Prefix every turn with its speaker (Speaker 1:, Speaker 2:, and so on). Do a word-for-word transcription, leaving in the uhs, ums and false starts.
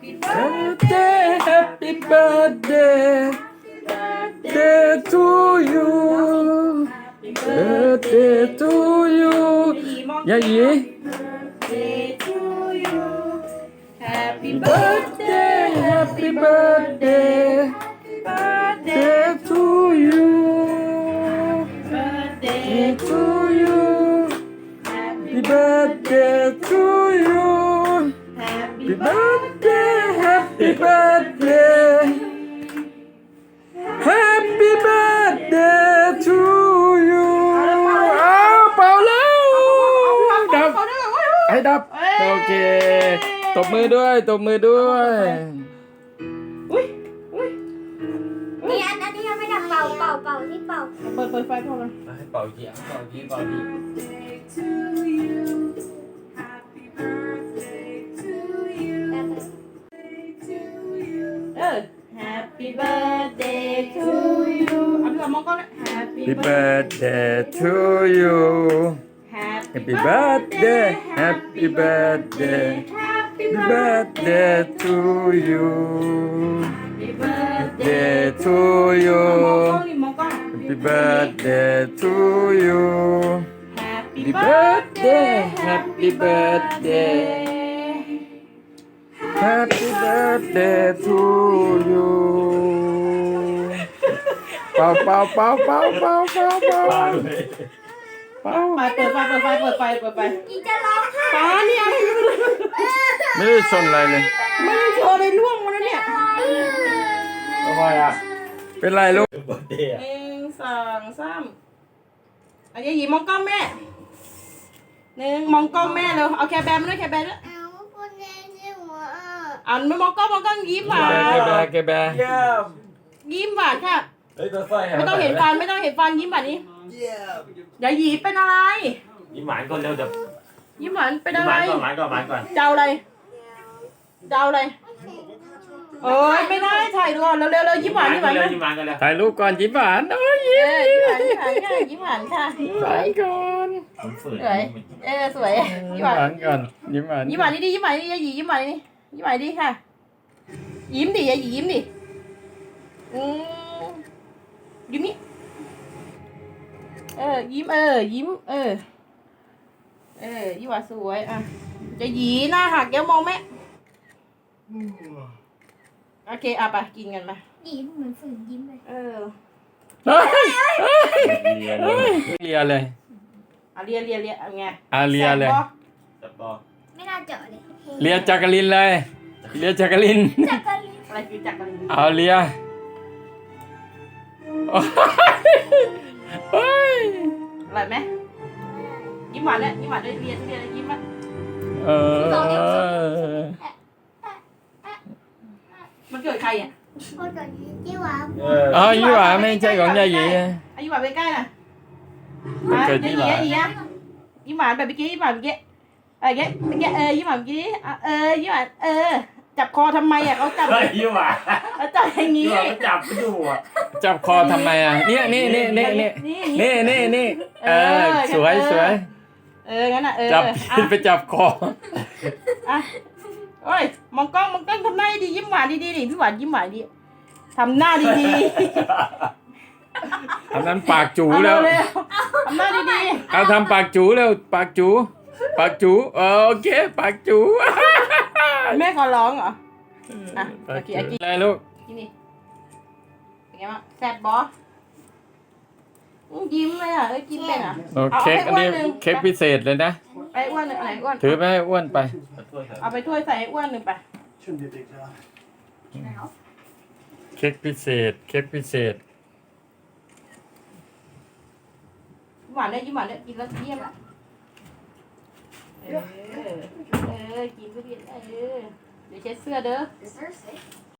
Speaker 1: Happy birthday, happy birthday, birthday to you, birthday to you ยายี
Speaker 2: Birthday to you Happy
Speaker 1: birthday, happy birthday, birthday to you, birthday to you, happy birthday to you, happy birthday, happy birthday, happy birthday to you อ้าวเป่าแล้วดับให้ดับโอเคตบมือด้วยตบมือด้วย
Speaker 2: อุ้ยอุ้ย
Speaker 3: นี่อันอันนี้ยังไม่ดับเป่าเป่าเป่าที่เป่า
Speaker 2: เปิดเปิดไฟพอไหม
Speaker 1: ให้เป่าเสียงเป่าดีเป่าดี
Speaker 2: เออ Happy birthday to you เอาพี่ก่อนมองกล้องนะ Happy
Speaker 1: Happy birthday to you Happy birthday Happy birthday
Speaker 2: Happy
Speaker 1: Happy birthday to you Birthday to you
Speaker 2: มองกล้อง
Speaker 1: Happy birthday to you
Speaker 2: Happy
Speaker 1: Happy birthday Happy birthday Happy birthday to you เป่าเป่าเป่าเป่าเป่าเป่าเป่าเป่า
Speaker 2: มาเปิดไฟเปิดไฟเปิดไฟเปิดไฟ
Speaker 3: อีจะร้องไห้
Speaker 2: ป้านี่อะไร
Speaker 1: ไม่ได้ชนอะไรเลย
Speaker 2: ไม่ได้โชว์เลยล่วงมาแล้วเนี่ย
Speaker 1: ทำไมอ่ะเป็นไรลูก
Speaker 2: หนึ่งสองสามอันนี้หยิบมองกล้องแม่หนึ่งมองกล้องแม่เร็วเอาแคร์แบร์มาด้วยแคร์แบร์ด้วย
Speaker 3: เอาคนแดงที่หัว
Speaker 2: อ่านไม่มองกล้องมองกล้องยิ้มหวาน
Speaker 1: แกแบแกแบ
Speaker 2: ยิ้มหวานค่ะ
Speaker 4: เฮ้ยตัวไฟหาย
Speaker 2: ไม่ต้องเห็นฟันไม่ต้องเห็นฟันยิ้มแบบนี้อย่าหยีเป็นอะไร
Speaker 4: ยิ้มหวานก่อนเร็วจะ
Speaker 2: ยิ้มหวานเป็น
Speaker 4: ยิ้ม
Speaker 2: อะ
Speaker 4: ห
Speaker 2: ไร
Speaker 4: วานก่อนหวานก่อนหวานก่อน
Speaker 2: เจ้าอะไรเจ้าอะไรโอ้ยไม่ได้ถ่ายก่อนเร็วเร็วเร็วยิ้มหวานยิ้มหวาน
Speaker 4: เร็ว
Speaker 2: ค่ะ
Speaker 4: ยิ้มหวานกันเร็ว
Speaker 1: ถ่ายรูปก่อนยิ้มหวานโอ้ย
Speaker 2: เออยิ้มหวานยิ้มหวานค่ะยิ้มหวานค่ะ
Speaker 1: ยิ้มหวานก่อน
Speaker 4: ผมฝืน
Speaker 2: สวยเออสวย
Speaker 1: ยิ้
Speaker 2: ยิ้
Speaker 1: ม
Speaker 2: มหวาน
Speaker 1: หวานก่อนยิ้มหวาน
Speaker 2: ยิ้มหวานนี่ดิยิ้มหวานนี่อย่าหยียิ้มหวานนี่ยิ้มหวานดิค่ะ ยิ้มดิอย่าหยียิ้มดิอืมยิ้มนี่เออยิ้มเออยิ้มเออเออยิ้มหวานสวยอ่ะจะหยีหน้าหักเดี๋ยวมองแม่โอเคอ่ะไปกินกันมา
Speaker 3: ยิ้มเหมือนฝืนยิ้มเลย
Speaker 2: เออ
Speaker 1: เฮ้ย
Speaker 4: เรียน
Speaker 1: เฮ้ยเลียเลย
Speaker 2: เอาเลียเลียเลียเอาไง
Speaker 1: อ่ะเลียเลย
Speaker 2: แซ่บปะ
Speaker 4: จับบอก
Speaker 3: ไม่น่าเจาะเลย
Speaker 1: เลียจักรินเลยเลียจักริน
Speaker 3: จักรลิน
Speaker 2: อะไรคือจักรลิน
Speaker 1: เอาเลียโอ้ยเฮ้ย
Speaker 2: อร่อยไหมยิ้มหวานเนี่ยยิ้มหวานด้วยเลียเลียยิ้มอ่ะ
Speaker 1: เออ
Speaker 2: มันเกิดใครอ่ะ
Speaker 3: โอ้ยตัวนี้ที่หวาน
Speaker 4: เออ
Speaker 1: อ๋อยี่หวาไม่ใช่ของยาหยี
Speaker 2: อายิ้มหวานไปใกล้น่ะ
Speaker 1: มัน
Speaker 2: อ่ะ
Speaker 1: เกิด
Speaker 2: ยิ้
Speaker 1: ยี่
Speaker 2: ม
Speaker 1: หวา
Speaker 2: ยิ้มยิ้มยิ้มหวานแบบเมื่อกี้ยิ้มหวานเมื่อกี้อะไรเงี้ยเมื่อกี้เออยิ้มหวานเมื่อกี้อ่ะเออยิ้มหวานเออจับคอทำไมอ่ะเขาจับ
Speaker 4: เฮ้ยยิ้มหวาน
Speaker 2: เขาจับอย่าง
Speaker 4: ยิ้
Speaker 2: นี้
Speaker 4: มหวานก็จับไปดูอ่ะ
Speaker 1: จับคอทำไมอ่ะเนี่ยนี่นี่นี่นี่
Speaker 2: นี่
Speaker 1: นี่นี่นี่เออสวยสวย
Speaker 2: เอองั้นอ่ะเออ
Speaker 1: จับ
Speaker 2: อ่ะ
Speaker 1: ผิดไปจับคอ
Speaker 2: อ่ะโอ้ยมองกล้องมองกล้องทำหน้าดียิ้มหวานดีดีดิพี่หวานยิ้มหวานดีทำหน้าดีดี
Speaker 1: อันนั้นปากจู
Speaker 2: เอา
Speaker 1: แล้ว
Speaker 2: เร็วๆทำหน้าดีดี
Speaker 1: เอาทำปากจูแล้วปากจูปากจูเออโอเคปากจู
Speaker 2: แม่ขอร้องเหรออ่ะโอเคอ่ะกิน
Speaker 1: อะไรลูก
Speaker 2: กินดิเป็นไงบ้างแซ่บบอสยิ้มเลยอ่ะเอ้ยกินเป็นอ่ะ
Speaker 1: โอเค้กอันนี้เค้กพิเศษเลยนะ
Speaker 2: ไปอ้วนหนึ่งอันไหนอ้วน
Speaker 1: ถือไปให้อ้วนไป
Speaker 2: เอาไปถ้วยใส่ให้อ้วนหนึ่งไป
Speaker 1: เค้กพิเศษเค้กพิเศษ
Speaker 2: หวานได้ยิ้มหวานได้กินแล้วเยี่ยมละเออเออกินก็กินเออเดี๋ยวเช็ดเสื้อเด้อ
Speaker 3: Is there a safe?